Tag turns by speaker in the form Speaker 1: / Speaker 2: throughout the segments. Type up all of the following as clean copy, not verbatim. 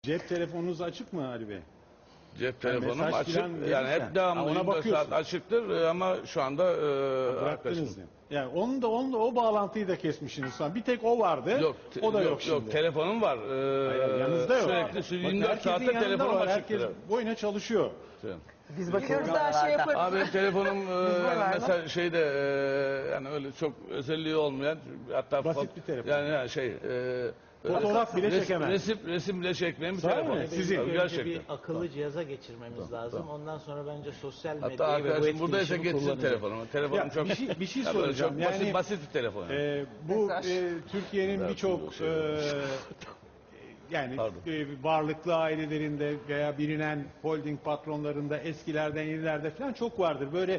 Speaker 1: Cep telefonunuz açık mı Ali Bey?
Speaker 2: Cep telefonum
Speaker 1: mesaj
Speaker 2: açık.
Speaker 1: filan
Speaker 2: Yani
Speaker 1: verirsen,
Speaker 2: hep devamlı
Speaker 1: ona
Speaker 2: 24 saat
Speaker 1: bakıyorsun.
Speaker 2: açıktır ama şu anda
Speaker 1: Bıraktınız
Speaker 2: arkadaşım.
Speaker 1: mı? Yani onu da o bağlantıyı da kesmişsiniz falan. Bir tek o vardı.
Speaker 2: Yok,
Speaker 1: o da yok,
Speaker 2: yok,
Speaker 1: şimdi.
Speaker 2: telefonum var.
Speaker 1: Hayır, yanınızda yok.
Speaker 2: Sürekli
Speaker 1: Bakın
Speaker 2: 24
Speaker 1: herkesin
Speaker 2: saatte
Speaker 1: yanında
Speaker 2: telefonum
Speaker 1: var.
Speaker 2: açıktır.
Speaker 1: Herkes boyuna çalışıyor.
Speaker 3: Biz bakıyoruz her şey yaparız.
Speaker 2: Abi benim telefonum mesela şeyde yani öyle çok özelliği olmayan, hatta
Speaker 1: Basit bir telefon.
Speaker 2: Yani
Speaker 1: Fotoğraf bile çekemez.
Speaker 2: Resim bile çekmeyen bir
Speaker 1: Sahi
Speaker 2: telefon.
Speaker 1: mi? Sizin.
Speaker 2: Tabii,
Speaker 4: Önce
Speaker 2: gerçekten.
Speaker 4: bir akıllı cihaza geçirmemiz lazım. Ondan sonra bence sosyal
Speaker 2: Hatta
Speaker 4: medyayı ve bu
Speaker 2: arkadaşım buradaysa
Speaker 4: etkileşimi
Speaker 2: getirsin
Speaker 4: kullanacak.
Speaker 2: telefonumu. Telefonum
Speaker 1: Ya,
Speaker 2: çok
Speaker 1: bir şey
Speaker 2: ya böyle
Speaker 1: soracağım.
Speaker 2: çok
Speaker 1: Yani,
Speaker 2: basit bir telefon.
Speaker 1: Bu Türkiye'nin birçok yani varlıklı ailelerinde veya bilinen holding patronlarında eskilerden yenilerde falan çok vardır. Böyle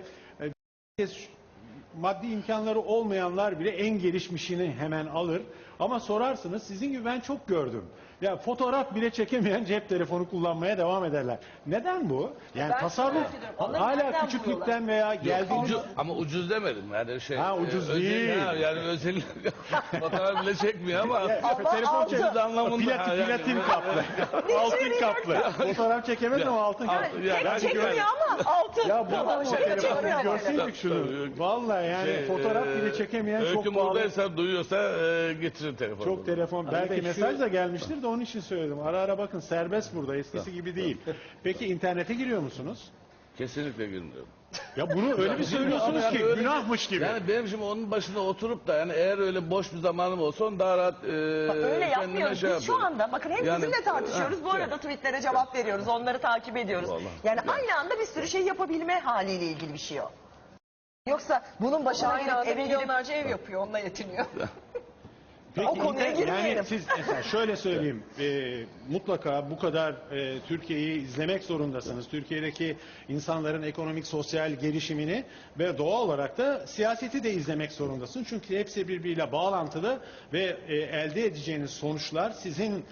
Speaker 1: maddi imkanları olmayanlar bile en gelişmişini hemen alır. Ama sorarsınız, sizin gibi ben çok gördüm. Ya fotoğraf bile çekemeyen cep telefonu kullanmaya devam ederler. Neden bu? Yani
Speaker 3: Ben
Speaker 1: tasarruf
Speaker 3: merak ediyorum. Onları
Speaker 1: hala
Speaker 3: nereden
Speaker 1: küçüklükten veya geldiğiniz...
Speaker 2: Ama ucuz demedim yani şey.
Speaker 1: Ha, ucuz değil.
Speaker 2: Yani özel fotoğraf bile çekmiyor ama
Speaker 1: telefon çekti
Speaker 2: anlamında.
Speaker 1: platin kaplı. altın kaplı. Fotoğraf çekemez ama altın kaplı.
Speaker 3: Tek çekmiyor ama altın.
Speaker 1: Ya bu adam o telefonu
Speaker 3: çekmiyor.
Speaker 1: görseydik şunu. Vallahi yani fotoğraf bile çekemeyen çok
Speaker 2: Öyküm
Speaker 1: pahalı.
Speaker 2: buradaysa, duyuyorsa getirin telefonu.
Speaker 1: Çok telefon. Belki
Speaker 4: Bey,
Speaker 1: mesaj da gelmiştir de onun için söyledim. Ara ara bakın, serbest burada. Eskisi gibi değil. Peki internete giriyor musunuz?
Speaker 2: Kesinlikle girmiyorum.
Speaker 1: Ya bunu öyle bir söylüyorsunuz
Speaker 2: Yani
Speaker 1: ki
Speaker 2: öyle
Speaker 1: günahmış gibi.
Speaker 2: Yani benim şimdi onun başında oturup da yani eğer öyle boş bir zamanım olsa onu daha rahat
Speaker 3: Öyle yapmıyoruz. Biz şu
Speaker 2: yapıyorum.
Speaker 3: anda bakın hem
Speaker 2: Yani,
Speaker 3: sizinle tartışıyoruz. Bu
Speaker 2: ha,
Speaker 3: arada tweetlere cevap veriyoruz. Onları takip ediyoruz.
Speaker 2: Vallahi.
Speaker 3: Yani aynı anda bir sürü şey yapabilme haliyle ilgili bir şey o. Yoksa bunun başına gelip eve milyonlarca ev yapıyor. Onunla yetiniyor.
Speaker 1: Peki,
Speaker 3: o konuya girmeyelim.
Speaker 1: Yani siz mesela şöyle söyleyeyim, mutlaka bu kadar Türkiye'yi izlemek zorundasınız. Türkiye'deki insanların ekonomik, sosyal gelişimini ve doğal olarak da siyaseti de izlemek zorundasınız. Çünkü hepsi birbiriyle bağlantılı ve elde edeceğiniz sonuçlar sizin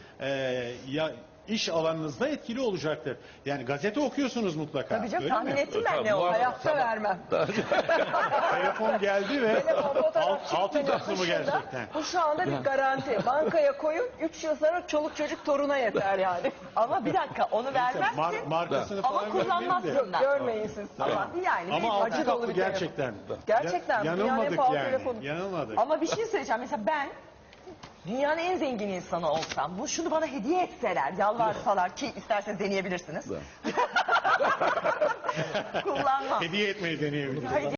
Speaker 1: iş alanınızda etkili olacaktır. Yani gazete okuyorsunuz mutlaka.
Speaker 3: Tabii canım,
Speaker 1: öyle
Speaker 3: tahmin
Speaker 1: mi?
Speaker 3: ettim ben
Speaker 2: Tabii,
Speaker 3: ne
Speaker 2: bu
Speaker 3: o.
Speaker 2: arada-
Speaker 3: Hayatta vermem.
Speaker 1: Telefon geldi ve altın kaplı mı gerçekten?
Speaker 3: Bu şu anda bir garanti. Bankaya koyun, 3 yıl sonra çoluk çocuk toruna yeter yani. Ama bir dakika, onu vermezsin
Speaker 1: Markasını
Speaker 3: ama
Speaker 1: falan görmeyelim de.
Speaker 3: kullanmazsın da. Görmeyin siz. Ama yani
Speaker 1: Ama altın
Speaker 3: acı dolu
Speaker 1: kaplı
Speaker 3: bir telefon.
Speaker 1: gerçekten.
Speaker 3: Gerçekten. dünyanın en
Speaker 1: Yanılmadık
Speaker 3: pahalı
Speaker 1: yani.
Speaker 3: telefonu.
Speaker 1: Yanılmadık.
Speaker 3: Ama bir şey söyleyeceğim. Mesela ben dünyanın en zengin insanı olsam, şunu bana hediye etseler, yalvarsalar ki isterseniz deneyebilirsiniz. Kullanmam.
Speaker 1: Hediye etmeyi deneyebiliriz.